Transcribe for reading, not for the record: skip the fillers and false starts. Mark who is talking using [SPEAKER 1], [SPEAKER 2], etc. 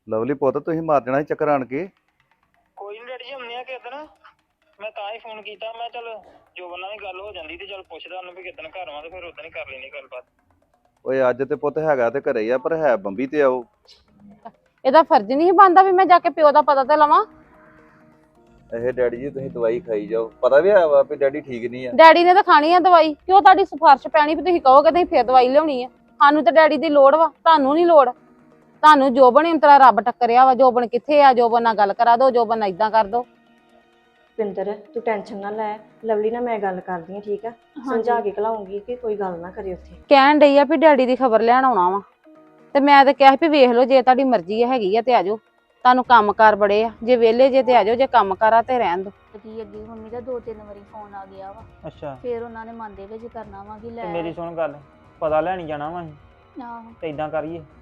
[SPEAKER 1] Lovely ਪੁੱਤ ਤੁਸੀਂ ਮਾਰ ਜਾਣਾ ਸੀ ਚੱਕਰ ਆਣ ਕੇ।
[SPEAKER 2] ਕੋਈ ਨਹੀਂ ਡੈਡੀ ਜੀ ਹੁੰਨੇ ਆ ਕਿਦਣ। ਮੈਂ ਤਾਂ ਹੀ ਫੋਨ ਕੀਤਾ, ਮੈਂ ਚੱਲ ਜੋਬਨ ਨਾਲ ਵੀ ਗੱਲ ਹੋ ਜਾਂਦੀ ਤੇ ਚੱਲ ਪੁੱਛਦਾ ਉਹਨੂੰ ਵੀ ਕਿਦਣ ਘਰ ਆਵਾਂ ਤੇ ਫਿਰ ਉਦੋਂ ਹੀ ਕਰ ਲੈਣੀ ਗੱਲਬਾਤ।
[SPEAKER 1] ਓਏ ਅੱਜ ਤੇ ਪੁੱਤ ਹੈਗਾ ਤੇ ਘਰੇ ਹੀ ਆ, ਪਰ ਹੈ ਬੰਬੀ ਤੇ ਆਓ।
[SPEAKER 3] ਇਹਦਾ ਫਰਜ਼ ਨਹੀਂ ਬਣਦਾ ਵੀ ਮੈਂ ਜਾ ਕੇ ਪਿਓ ਦਾ ਪਤਾ ਤੇ ਲਵਾਂ।
[SPEAKER 1] ਇਹ ਡੈਡੀ ਜੀ ਤੁਸੀਂ ਦਵਾਈ ਖਾਈ ਜਾਓ, ਪਤਾ ਵੀ ਹੈ ਵਾ ਵੀ ਡੈਡੀ ਠੀਕ ਨਹੀਂ ਆ।
[SPEAKER 3] ਡੈਡੀ ਨੇ ਤਾਂ ਖਾਣੀ ਆ ਦਵਾਈ, ਕਿਉਂ ਤੁਹਾਡੀ ਸਿਫਾਰਿਸ਼ ਪੈਣੀ ਵੀ ਤੁਸੀਂ ਕਹੋਗੇ ਤੁਸੀਂ ਫਿਰ ਦਵਾਈ ਲਿਆਉਣੀ ਆ। ਸਾਨੂੰ ਤਾਂ ਡੈਡੀ ਦੀ ਲੋੜ ਵਾ, ਤੁਹਾਨੂੰ ਨਹੀਂ ਲੋੜ। ਤੁਹਾਨੂੰ ਜੋਬਨ ਇੰਤਰਾ ਰੱਬ ਟੱਕਰਿਆ ਵਾ, ਜੋਬਨ ਕਿੱਥੇ ਆ, ਜੋਬਨ ਨਾਲ ਗੱਲ ਕਰਾ ਦਿਓ, ਜੋਬਨ ਨਾਲ ਇਦਾਂ ਕਰ ਦਿਓ।
[SPEAKER 4] ਪਿੰਦਰ ਤੂੰ ਟੈਨਸ਼ਨ ਨਾ ਲੈ, ਲਵਲੀ ਨਾਲ ਮੈਂ ਗੱਲ ਕਰਦੀ ਆ, ਠੀਕ ਆ? ਸਮਝਾ ਕੇ ਘਲਾਉਂਗੀ ਕਿ ਕੋਈ ਗੱਲ ਨਾ ਕਰੇ ਉੱਥੇ।
[SPEAKER 3] ਕਹਿਣ ਡਈ ਆ ਵੀ ਡੈਡੀ ਦੀ ਖਬਰ ਲੈਣ ਆਉਣਾ ਵਾ, ਤੇ ਮੈਂ ਤਾਂ ਕਿਹਾ ਵੀ ਵੇਖ ਲਓ ਜੇ ਤੁਹਾਡੀ ਮਰਜ਼ੀ ਹੈਗੀ ਆ ਤੇ ਆਜੋ, ਤੁਹਾਨੂੰ ਕੰਮਕਾਰ ਬੜੇ ਆ, ਜੇ ਵਿਹਲੇ ਜੇ ਤੇ ਆਜੋ, ਜੇ ਕੰਮਕਾਰ ਆ ਤੇ ਰਹਿਣ ਦੋ।
[SPEAKER 5] ਕੀ ਅੱਗੇ ਮੰਮੀ ਦਾ 2-3 ਵਾਰੀ ਫੋਨ ਆ ਗਿਆ ਵਾ,
[SPEAKER 2] ਅੱਛਾ
[SPEAKER 5] ਫਿਰ ਉਹਨਾਂ ਨੇ ਮਨ ਦੇ ਵਿੱਚ ਕਰਨਾ ਵਾ ਕਿ
[SPEAKER 2] ਤੇ
[SPEAKER 5] ਲੈ
[SPEAKER 2] ਮੇਰੀ ਸੁਣ ਗੱਲ, ਪਤਾ ਲੈਣੀ ਜਾਣਾ ਵਾ ਅਸੀਂ
[SPEAKER 5] ਆਹੋ
[SPEAKER 2] ਤੇ ਇਦਾਂ ਕਰੀਏ